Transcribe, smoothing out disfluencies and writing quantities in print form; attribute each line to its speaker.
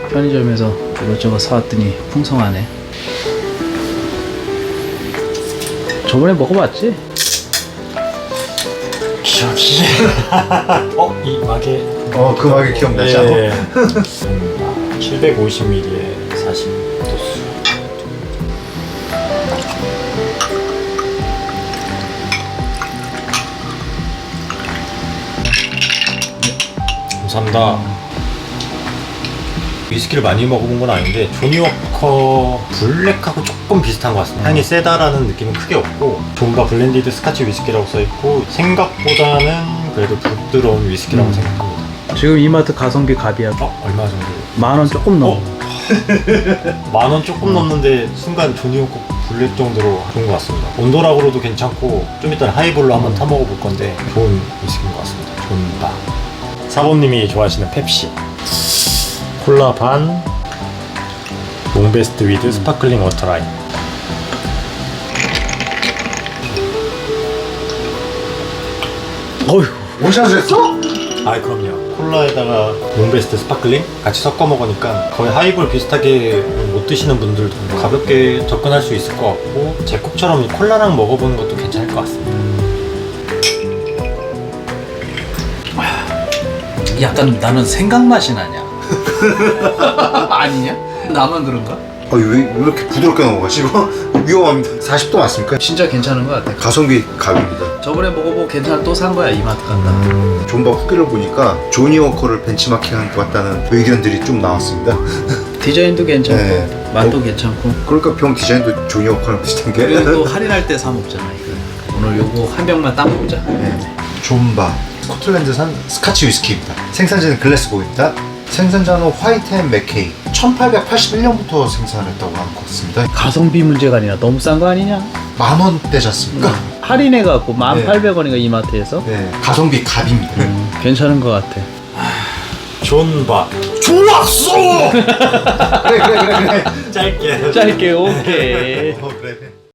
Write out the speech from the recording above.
Speaker 1: 편의점에서 이것저것 사왔더니 풍성하네. 저번에 먹어봤지?
Speaker 2: 기억이. 이 마개.
Speaker 3: 그 마개 기억나지?
Speaker 2: 예. 750ml에 40도수. 감사합니다. 위스키를 많이 먹어본 건 아닌데 조니워커 블랙하고 조금 비슷한 것 같습니다. 향이 세다라는 느낌은 크게 없고 존바 블렌디드 스카치 위스키라고 써있고 생각보다는 그래도 부드러운 위스키라고 생각합니다.
Speaker 1: 지금 이마트 가성비 갑이야.
Speaker 2: 얼마 정도?
Speaker 1: 10,000원 조금 넘어.
Speaker 2: 10,000원 조금 넘는데 순간 조니워커 블랙 정도로 좋은 것 같습니다. 온도락으로도 괜찮고 좀 이따 하이볼로 한번 타 먹어볼 건데 좋은 위스키인 것 같습니다. 존바. 사범님이 좋아하시는 펩시 콜라 반 롱베스트 위드 스파클링 워터라인.
Speaker 1: 어휴.
Speaker 3: 원샷을 했어?
Speaker 2: 아 그럼요. 콜라에다가 롱베스트 스파클링 같이 섞어 먹으니까 거의 하이볼 비슷하게 못 드시는 분들도 가볍게 접근할 수 있을 것 같고 제국처럼 콜라랑 먹어보는 것도 괜찮을 것 같습니다.
Speaker 1: 약간 나는 생각 맛이 나냐? 아니냐? 나만 그런가?
Speaker 3: 왜 이렇게 부드럽게 넘어가지 이거? 위험합니다. 40도 맞습니까?
Speaker 1: 진짜 괜찮은 것 같아.
Speaker 3: 가성비 갑입니다.
Speaker 1: 저번에 먹어보고 괜찮아 또 산 거야 이마트 갔다.
Speaker 3: 존바 후기를 보니까 조니워커를 벤치마킹한 것 같다는 의견들이 좀 나왔습니다.
Speaker 1: 디자인도 괜찮고
Speaker 3: 네.
Speaker 1: 맛도 괜찮고.
Speaker 3: 그러니까 병 디자인도 조니워커랑 비슷한 게.
Speaker 1: 그리고 또 할인할 때 사 먹잖아 이거. 오늘 요거 한 병만 딱 먹자.
Speaker 3: 네. 존바 스코틀랜드산 스카치 위스키입니다. 생산지는 글래스고입니다. 생산자는 화이트 앤 맥케이 1881년부터 생산했다고 하는 것 같습니다.
Speaker 1: 가성비 문제가 아니라 너무 싼 거 아니냐?
Speaker 3: 10,000원대지 않습니까?
Speaker 1: 할인해갖고 1,800원인가 이마트에서.
Speaker 3: 네, 가성비 갑입니다.
Speaker 1: 괜찮은 것 같아.
Speaker 2: 존바.
Speaker 3: 좋았어! 그래.
Speaker 2: 짧게.
Speaker 1: 짧게 오케이.
Speaker 3: 그래.